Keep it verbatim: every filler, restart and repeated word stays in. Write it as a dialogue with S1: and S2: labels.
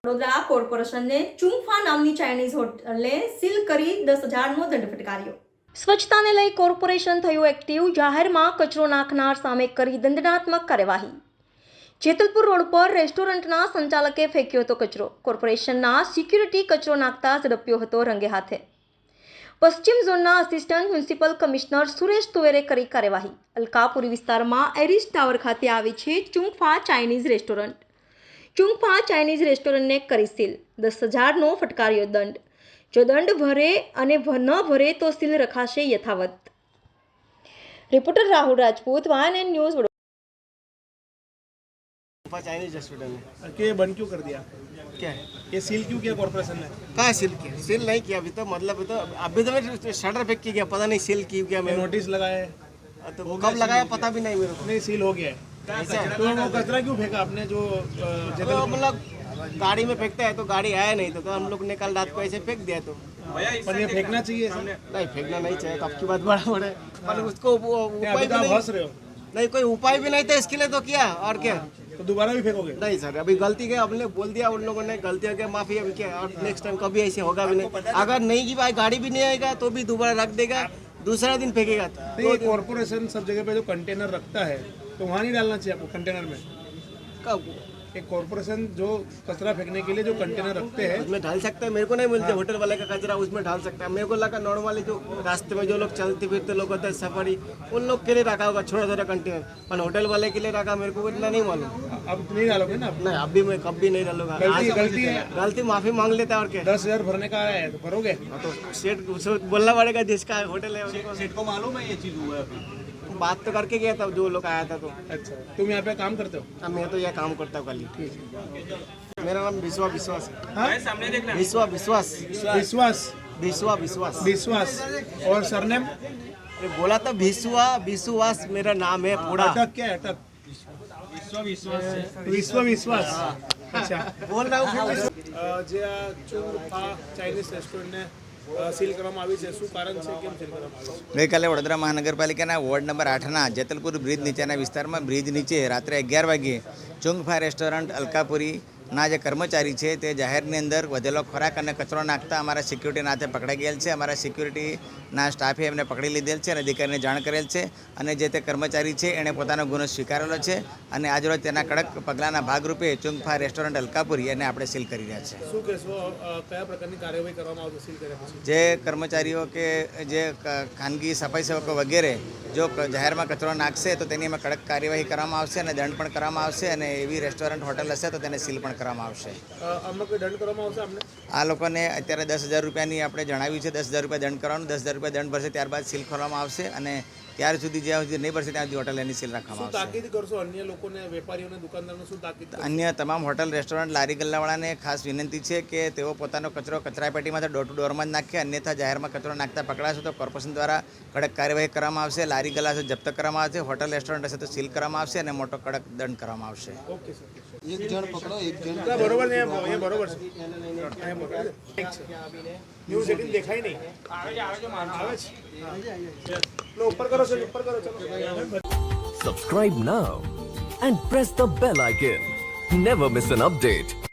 S1: વડોદરા કોર્પોરેશનને ચુંગફા નામની Chinese હોટલે seal કરી દસ હજારનો દંડ ફટકાર્યો. સ્વચ્છતાને લઈ કોર્પોરેશન થયું એક્ટિવ. જાહેરમાં કચરો નાખનાર સામે કરી દંડનાત્મક કાર્યવાહી. જેતલપુર રોડ પર રેસ્ટોરન્ટના સંચાલકે ફેંક્યો હતો કચરો. કોર્પોરેશનના સિક્યુરિટી કચરો નાખતા ઝડપ્યો હતો રંગે હાથે. પશ્ચિમ ઝોનના આસિસ્ટન્ટ મ્યુનિસિપલ કમિશનર સુરેશ તુવેરે કરી કાર્યવાહી. અલકાપુરી વિસ્તારમાં એરિસ ટાવર ખાતે આવી છે Chungfa Chinese restaurant. Chungfa Chinese રેસ્ટોરન્ટને કરી સીલ. દસ હજારનો ફટકાર્યો દંડ. જો દંડ ભરે અને ન ભરે તો સીલ રખાશે યથાવત. Reporter Rahul Rajput, YNN news.
S2: Chinese restaurant है
S3: कि ये बंद क्यों कर दिया?
S2: क्या है
S3: ये सील क्यों किया कॉर्पोरेशन ने?
S2: कहाँ सील किया? सील नहीं किया अभी तो, मतलब तो अभी तो मैं शटर फेंक के गया, पता नहीं सील क्यों किया. मैं
S3: नोटिस लगाया है
S2: तो कब लगाया पता भी नहीं मेरे को.
S3: नहीं, सील हो गया है.
S2: ऐसा है?
S3: तो वो कचरा क्यों फेंका आपने? जो अ,
S2: तो
S3: जगह
S2: मतलब गाड़ी में फेंकता है तो गाड़ी आया नहीं तो, तो हम लोग ने कल रात को ऐसे फेंक दिया. तो
S3: पर ये फेंकना चाहिए ऐसे?
S2: नहीं फेंकना नहीं चाहिए, कब की बात बड़ा बड़े पर उसको वो
S3: नहीं,
S2: उपाय
S3: अभी तो
S2: भी
S3: आप
S2: नहीं,
S3: हंस रहे हो.
S2: नहीं कोई उपाय भी नहीं था इसके लिए तो किया. और क्या?
S3: तो दोबारा भी फेंकोगे?
S2: नहीं सर, अभी गलती के हमने बोल दिया उन लोगों ने, गलती हो गया, माफी. अभी क्या, और नेक्स्ट टाइम कभी ऐसे होगा भी नहीं. अगर नहीं की भाई गाड़ी भी नहीं आएगा तो भी दोबारा रख देगा, दूसरा दिन फेंकेगा.
S3: तो ये कॉर्पोरेशन सब जगह पे जो कंटेनर रखता है तो वहाँ नहीं डालना चाहिए आपको कंटेनर में.
S2: कब
S3: एक कॉर्पोरेशन जो कचरा फेंकने के लिए जो कंटेनर रखते हैं
S2: उसमें ढाल सकता है. मेरे को नहीं मिलते होटल वाले का कचरा उसमें ढाल सकता है. मेरे को लगा नॉर्मली जो रास्ते में जो लोग चलते फिरते लोग होते हैं सफारी, उन लोग के लिए रखा होगा छोटा छोटा कंटेनर, पर होटल वाले के लिए रखा मेरे को इतना नहीं मालूम.
S3: अब नहीं डालोगे ना आप?
S2: नहीं अभी मैं कभी नहीं डालूंगा.
S3: गलती
S2: आज-
S3: गलती है.
S2: गलती माफी मांग लेता है और क्या.
S3: दस हजार भरने का आया है तो भरोगे?
S2: हाँ, तो सेठ उसको बोलना पड़ेगा जिसका होटल है उसको.
S4: सेठ को मालूम है ये चीज हुआ है अभी?
S2: बात तो करके गया था जो लोग आया था. तो
S3: अच्छा, तुम यहाँ पे काम करते हो?
S2: अब मैं तो यह काम करता हूँ खाली. मेरा नाम विश्वा विश्वास है.
S3: हाँ?
S2: विश्वा विश्वास
S3: विश्वास
S2: विश्वा विश्वास
S3: विश्वास और सरनेम?
S2: ये बोला था विश्वा विश्वास मेरा नाम है पूरा.
S3: अटक क्या है? अटक विश्व विश्वास. अच्छा,
S2: बोल रहा हूँ फिर.
S3: અ, જે આ ચુંગફા ચાઇનીઝ રેસ્ટોરન્ટને અ, સીલ કરવામાં આવી છે, શું કારણ છે, કેમ સીલ કરવામાં આવી છે?
S5: ગઈકાલે વડોદરા મહાનગરપાલિકાના વોર્ડ નંબર આઠના જેતલપુર બ્રિજ નીચેના વિસ્તારમાં બ્રિજ નીચે રાત્રે અગિયાર વાગ્યે ચુંગફા રેસ્ટોરન્ટ અલકાપુરીના જે કર્મચારી છે તે જાહેરની અંદર વધેલો ખોરાક અને કચરો નાખતા અમારા સિક્યુરિટીના હાથે પકડાઈ ગયેલ છે. અમારા સિક્યુરિટીના સ્ટાફે એમને પકડી લીધેલ છે અને અધિકારીને જાણ કરેલ છે અને જે તે કર્મચારી છે એણે પોતાનો ગુનો સ્વીકારેલો છે અને આજરોજ તેના કડક પગલાંના ભાગરૂપે ચુંગફા રેસ્ટોરન્ટ અલકાપુરી એને આપણે સીલ કરી રહ્યા છે.
S3: શું કહેશો, અ, કયા પ્રકારની કાર્યવાહી કરવામાં આવશે સીલ કર્યા પછી?
S5: જે કર્મચારીઓ કે જે ક- ખાનગી સફાઈ સેવકો વગેરે જો ક- જાહેરમાં કચરો નાખશે તો તેની અમે કડક કાર્યવાહી કરવામાં આવશે અને દંડ પણ કરવામાં આવશે અને એવી રેસ્ટોરન્ટ હોટલ હશે તો તેને સીલ પણ કરવામાં આવશે.
S3: અ, આમાં કોઈ દંડ કરવામાં આવશે આપણે?
S5: આ લોકોને અત્યારે દસ હજાર રૂપિયાની આપણે જણાવ્યું છે, દસ હજાર રૂપિયા દંડ કરવાનું. દસ હજાર રૂપિયા દંડ ભરશે ત્યારબાદ સીલ ખોલવામાં આવશે અને ત્યાર સુધી જ્યાં સુધી નહીં ભરશે ત્યાં સુધી હોટલ એની સીલ
S3: શું
S5: રાખવામાં આવશે.
S3: તાકીદ કરશો અન્ય લોકોને, વેપારીઓને, દુકાનદારોને શું તાકીદ કરશો?
S5: અન્ય તમામ હોટલ રેસ્ટોરન્ટ લારી ગલ્લાવાળાને ખાસ વિનંતી છે કે તેઓ પોતાનો કચરો કચરાપેટીમાંથી ડોર ટુ ડોરમાં જ નાખે. અન્યથા જાહેરમાં કચરો નાખતા પકડાશે તો કોર્પોરેશન દ્વારા કડક કાર્યવાહી કરવામાં આવશે. લારી ગલ્લા હશે જપ્ત કરવામાં આવશે, હોટલ રેસ્ટોરન્ટ હશે તો સીલ કરવામાં આવશે અને મોટો કડક દંડ કરવામાં આવશે.
S3: Okay sir.
S2: एक जन पकड़ो एक जन.
S3: ના, બરોબર ને, એ એ બરોબર છે. એ બરોબર છે. ઠીક છે. ન્યૂઝ એટીન દેખાય નહીં. આવે છે, આવે છે, હા. લો, ઉપર કરો સર, ઉપર કરો. ચલો.
S6: Subscribe now and press the bell icon. Never miss an update.